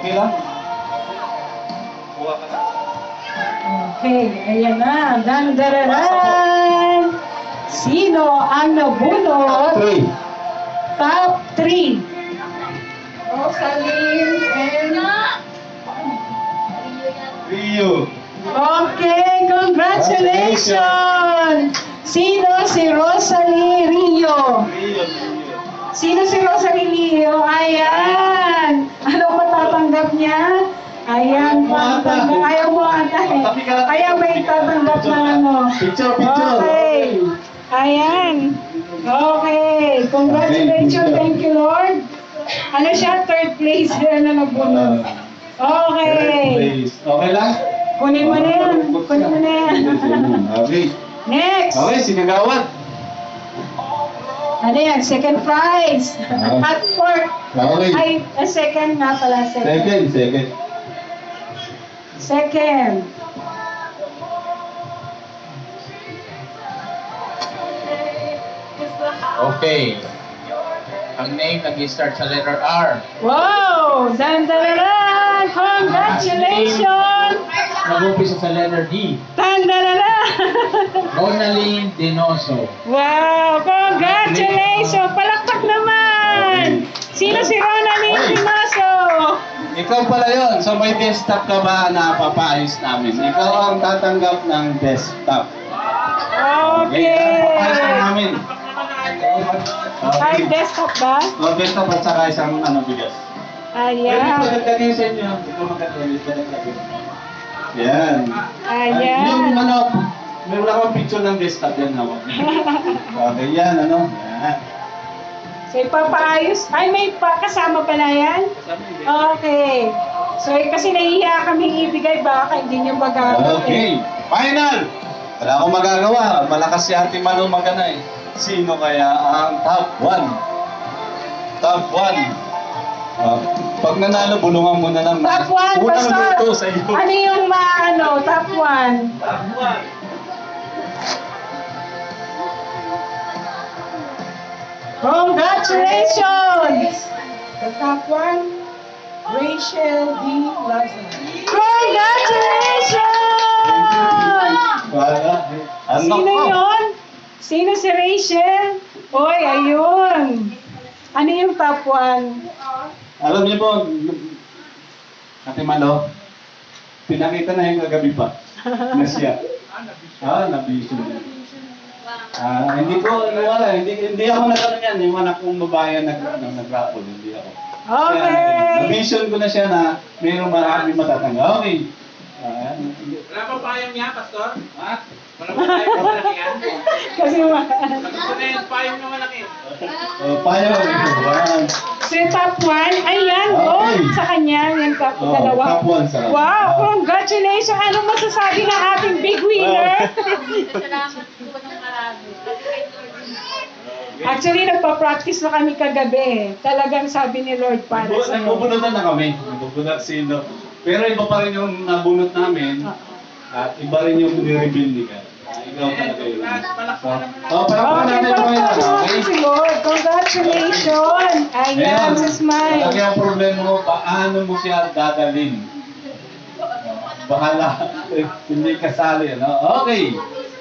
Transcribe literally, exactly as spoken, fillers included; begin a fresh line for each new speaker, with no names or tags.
Okay lang? Kuha ka na.
Okay, ayan na. Dandararan! Sino ang nabunot?
Three.
Top three. Rosaline and...
Rio.
Okay, congratulations! Sino si Rosalie Rio?
Rio.
Sino si Rosalie Rio? Ayan! Ano matatanggap niya? Ayan, matatanggap. Ayaw mo ata eh. Ayaw may tatanggap na ano.
Picture, picture.
Okay. Ayan. Okay. Congratulations. Thank you, Lord. Ano siya? Third place na nabunod. Okay.
Please. Okay lang?
Kunin mo na yan. Kunin mo na yan.
Okay.
Next.
Okay, sinagawad.
Ano yan? Second prize. At fourth.
Okay.
Ay, a second nga pala. Second.
Second, second.
Second.
Okay. Ang name nag-start sa letter R.
Wow! Dandararan! Congratulations!
Nag-umpisa sa letter D.
Dandararan!
Ronaline Denoso.
Wow! Congratulations! Palakpak naman! Sino si Ronaline Dinoso?
Ikaw pala yun. So may desktop ka ba na papaayos namin? Ikaw ang tatanggap ng desktop.
Okay!
Papaayos na namin.
Ay, desktop ba?
O, desktop at saka isang ano, bigas. Pwede
Ayan.
magandang sa inyo. Ito magandang Yan.
Ayan.
Yung ano, meron akong picture ng desktop yan. Hawak. Okay, yan, ano. Yan.
So, ipapaayos. Ay, may pa kasama pala yan? Okay. So, eh, kasi nahihiya kami ibigay, baka hindi niyo magagamit.
Okay, final! Wala akong magagawa. Malakas si Ate Manu magana eh. Sino kaya ang top one? Top one. Uh, pag nanalo, bulungan mo na ng
Top one,
unang
Pastor.
luto sa iyo.
Ano yung ma, ano, top one?
Top one.
Congratulations!
The top one, Rachel D. Lawson.
Congratulations!
Wala. Ano
Sino
ko?
yun? Sino si Rachel? Oy, ayun. Ano yung top one?
Alam niyo po, Ate Malo, pinakita na yung kagabi pa na siya. Ah, nabisyo. Ah, hindi ko, wala, hindi, hindi ako nagano yan. Yung anak kong babae nag, ano, nag-rapol, hindi ako.
Okay.
Nabision ko na siya na mayroong marami matatangga. Okay. Ah,
Wala pa payong niya, Pastor?
ha?
Wala pa payong na malaki yan?
Kasi ma...
Gusto na yung payong na malaki.
Oh, payo. Wow.
So yung top one, ayan,
Okay.
oh, sa kanya, yung top
Oh,
dalawa.
top one sa kanya.
Wow,
Ah.
congratulations! Ano masasabi ng ating big winner?
Salamat po ng marami.
Actually, nagpa-practice na kami kagabi. Talagang sabi ni Lord para sa
Nagbubunutan na kami. Nagbubunot sino. Pero iba pa rin yung nabunot namin. At iba rin yung nireveal ni God. Ah, ikaw talaga yun. Oh, palakpakan
Okay,
natin yung mga
palakpakan
okay?
natin si Lord. Congratulations! Ayan, si Smile.
Lagi ang problema mo, paano mo siya dadalhin? Bahala. Hindi kasali, ano? Okay.